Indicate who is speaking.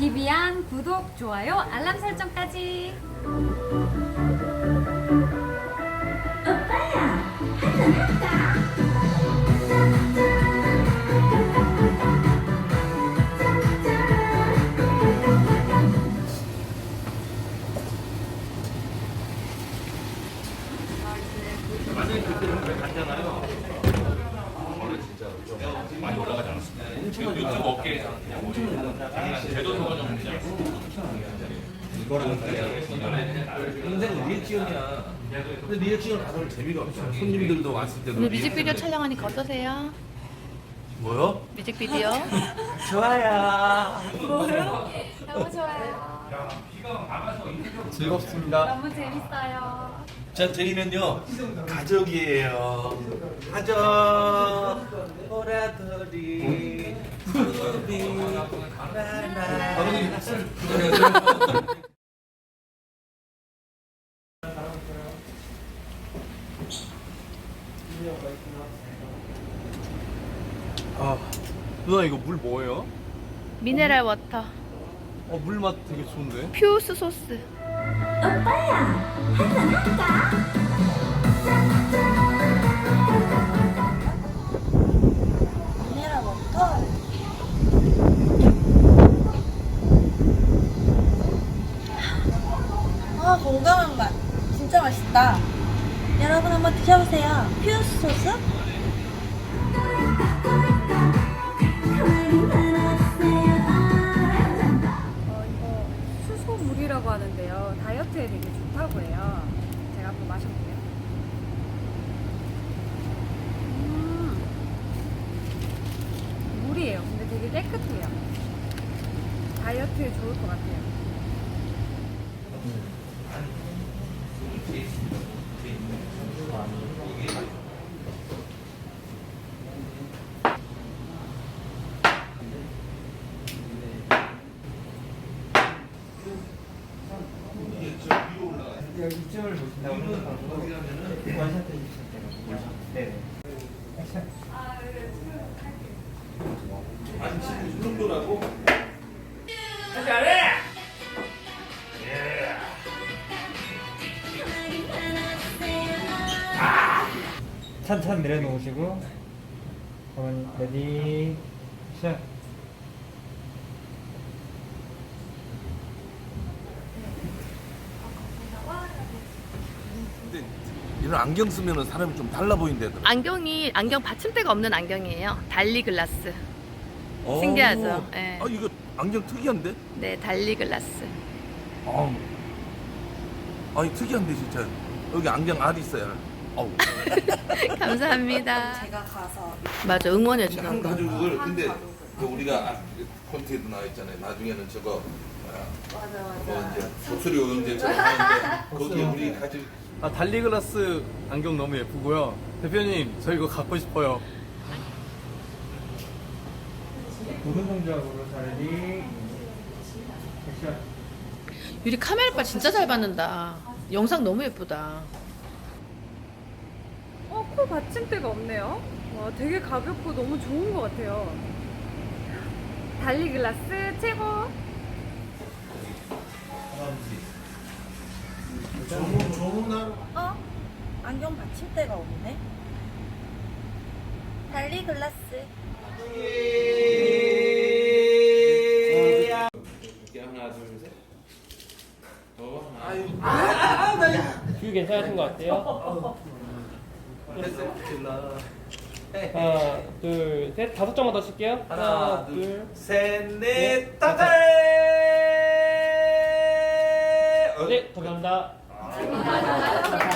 Speaker 1: 비비안 구독, 좋아요, 알람 설정까지.
Speaker 2: 만약에 그때 갔잖아요. 진짜 좀 많이 올라가지 않았습니다. 유튜브 업계에서 엄청 제도소가 좀 되지 않습니까? 이거랑 인생 리액션이야. 근데 리액션 가서 재미가 없어. 손님들도 왔을 때도.
Speaker 3: 오늘 뮤직비디오 촬영하니까 어떠세요?
Speaker 2: 뭐요?
Speaker 3: 뮤직비디오?
Speaker 2: 좋아요.
Speaker 1: 너무 좋아요.
Speaker 2: 즐겁습니다.
Speaker 1: 너무 재밌어요.
Speaker 2: 자, 저희는요 가족이에요. 가족. 보라돌이 푸비 나나.
Speaker 4: 아, 누나 이거 물 뭐예요?
Speaker 3: 미네랄 워터
Speaker 4: 물 맛 되게 좋은데?
Speaker 3: 퓨스 소스.
Speaker 5: 미네랄 워터. 아, 건강한 맛. 진짜 맛있다. 여러분 한번 드셔보세요. 퓨스 소스?
Speaker 1: 이거 수소물이라고 하는데요. 다이어트에 되게 좋다고 해요. 제가 한번 마셔볼게요. 물이에요. 근데 되게 깨끗해요. 다이어트에 좋을 것 같아요.
Speaker 6: 여기 이쪽을 보신다고 생각하고 원샷 해주시면 돼요. 네. 액션.
Speaker 2: 아니 지금 이 정도라고?
Speaker 6: 천천히 내려놓으시고 어머니 레디 액션.
Speaker 2: 근데 이런 안경 쓰면은 사람이 좀 달라 보인대.
Speaker 3: 안경 받침대가 없는 안경이에요. 달리 글라스. 신기하죠? 네.
Speaker 2: 아 이거 안경 특이한데?
Speaker 3: 네, 달리 글라스.
Speaker 2: 아니 특이한데 진짜. 여기 안경 알 있어요. 어우.
Speaker 3: 감사합니다.
Speaker 5: 제가 가서
Speaker 3: 맞아, 응원해 주는
Speaker 2: 한
Speaker 3: 거.
Speaker 2: 가족을 근데 그 우리가 콘티에도 나와 있잖아요. 나중에는 저거 뭐 이제 독수리 오영재처럼 하는데 거기에 우리 가족.
Speaker 4: 아, 달리글라스 안경 너무 예쁘고요. 대표님, 저 이거 갖고 싶어요.
Speaker 6: 모든 동작으로 자 레디 액션.
Speaker 3: 유리 카메라빨 진짜 잘 받는다. 영상 너무 예쁘다.
Speaker 1: 코 받침대가 없네요. 와, 되게 가볍고 너무 좋은 것 같아요. 달리 글라스 최고.
Speaker 5: 안경 받침대가 없네. 달리 글라스.
Speaker 2: 하나 둘 셋.
Speaker 7: 뷰 괜찮으신 것 같아요? 하나, 둘, 셋. 5점만 더 칠게요. 하나, 둘,
Speaker 2: 셋,
Speaker 7: 넷,
Speaker 2: 넷,
Speaker 7: 다섯.
Speaker 2: 다섯.
Speaker 7: 네, 감사합니다.